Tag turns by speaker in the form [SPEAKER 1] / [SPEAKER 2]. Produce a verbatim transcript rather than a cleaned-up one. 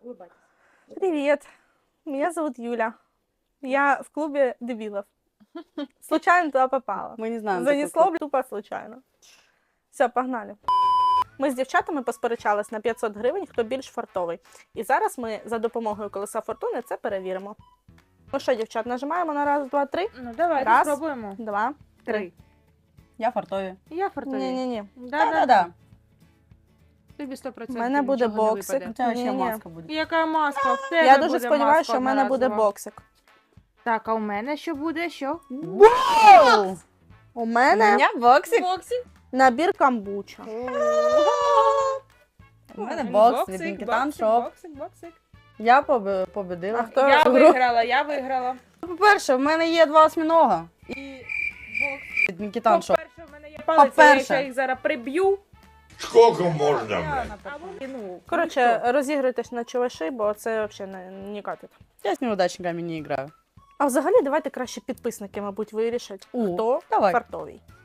[SPEAKER 1] Привет, меня зовут Юля. Я в клубе дебилов. Случайно туда попала.
[SPEAKER 2] Ми не знаємо.
[SPEAKER 1] Занесло тупо случайно. Все, погнали. Ми з дівчатами посперечались на п'ятсот гривень, хто більш фартовий. І зараз ми за допомогою колеса фортуни це перевіримо. Ну що, дівчат, нажимаємо на раз, два, три.
[SPEAKER 3] Ну, давай,
[SPEAKER 1] Раз.
[SPEAKER 3] спробуємо.
[SPEAKER 1] Два, три.
[SPEAKER 3] Три.
[SPEAKER 2] Я фартові.
[SPEAKER 3] Я фартові.
[SPEAKER 1] Ні-ні-ні.
[SPEAKER 3] Да-да-да. Тобі сто
[SPEAKER 1] У
[SPEAKER 3] процентів
[SPEAKER 1] мене буде
[SPEAKER 3] нічого не
[SPEAKER 1] боксик.
[SPEAKER 3] випаде.
[SPEAKER 2] У тебе ще
[SPEAKER 1] Ні-ні.
[SPEAKER 2] маска буде.
[SPEAKER 3] Яка маска? В тебе
[SPEAKER 1] Я дуже
[SPEAKER 3] буде
[SPEAKER 1] сподіваюся,
[SPEAKER 3] маска
[SPEAKER 1] що в мене буде
[SPEAKER 3] одноразова.
[SPEAKER 1] боксик.
[SPEAKER 3] Так, а у мене що буде? Що?
[SPEAKER 2] Вау!
[SPEAKER 1] У
[SPEAKER 2] У
[SPEAKER 1] мене
[SPEAKER 2] мене боксик.
[SPEAKER 3] Боксик.
[SPEAKER 1] набір камбуча.
[SPEAKER 2] У мене бокс від Нікітан Шоп.
[SPEAKER 3] Боксик, боксик.
[SPEAKER 2] Я побе- победила.
[SPEAKER 1] А хто?
[SPEAKER 3] Я
[SPEAKER 1] гру.
[SPEAKER 3] виграла, я виграла.
[SPEAKER 2] По-перше, в мене є два осьмінога.
[SPEAKER 3] І бокс.
[SPEAKER 2] Від Нікітан Шоп.
[SPEAKER 3] По-перше, в мене є палиця, я
[SPEAKER 2] По-перше.
[SPEAKER 3] ще їх зараз приб'ю.
[SPEAKER 4] Сколько можно, блядь?
[SPEAKER 3] А вони, ну,
[SPEAKER 1] Коротше, розігруйтесь на чуваші, бо це взагалі не, не катить.
[SPEAKER 2] Я з неудачниками не граю.
[SPEAKER 1] А взагалі давайте краще підписники, мабуть, вирішать,
[SPEAKER 2] О,
[SPEAKER 1] хто
[SPEAKER 2] давай.
[SPEAKER 1] фартовий.